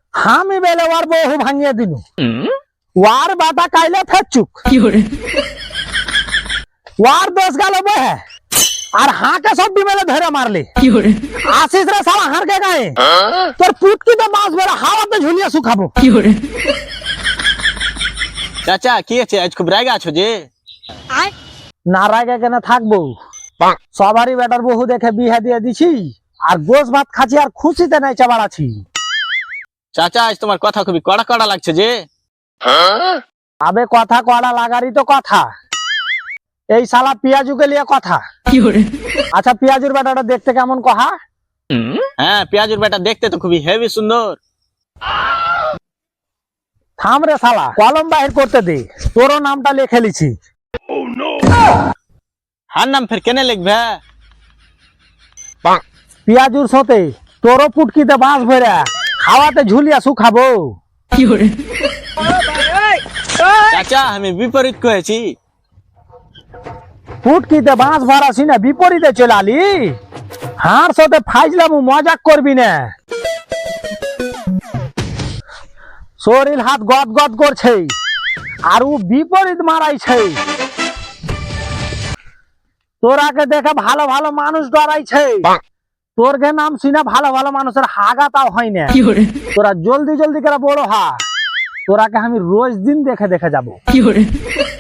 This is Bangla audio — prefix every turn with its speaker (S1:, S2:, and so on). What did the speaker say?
S1: আমি বেলে ওর বহু ভাঙিয়ে দিনু ওর বাটা কাইলে ফেচুক ওর দোষ গেল বহে আর হাঁকে সব মেলে ধরে মারলি আসিস রে সালা হারকে গায়ে তোর পুটকি তো মাছ বেড়া হাওয়াতে ঝুলিয়ে শুকাবো
S2: চাচা কি আছে আজ খুব রাগা আছো যে?
S1: না রাগে কেন থাকবো সবারই বেটার বহু দেখে বিয়ে দিয়ে দিছি আর গোস ভাত খাচ্ছি আর খুশিতে নাই চাবাড়াছি।
S2: চাচা আজ তোমার কথা খুবই কড়া কড়া লাগছে যে?
S1: আবে কথা কড়া লাগারই তো কথা, এই শালা পিয়াজুকে লিয়ে কথা। আচ্ছা পিয়াজুর বেটাটা দেখতে কেমন কহা?
S2: হ্যাঁ পেঁয়াজুর বেটা দেখতে তো খুবই হেভি সুন্দর।
S1: থাম রে শালা কলম বাহির করতে দে, তোরও নামটা লিখে লিছি।
S2: হার নাম ফের কেনে লিখবে?
S1: পিয়াজুর সাথে তোরও পুটকিতে বাঁশ ভরে খাওয়াতে ঝুলিয়া শুকাবো।
S2: চাচা আমি বিপরীত করেছি।
S1: পুটকিতে বাঁশ ভরাছি না বিপরীতে চলে আলি? হার সাথে ফাইজলাম মজাক করবি না, শরীর হাত গদ গদ করছে আর ও বিপরীত মারাইছে। তোরাকে দেখে ভালো ভালো মানুষ ডরাইছে, তোর গে নাম শুনে ভালো ভালো মানুষের হাগা তাও হয় না। তোরা জলদি জলদি করে বড় হা, তোরাকে আমি রোজ দিন দেখে দেখে যাবো।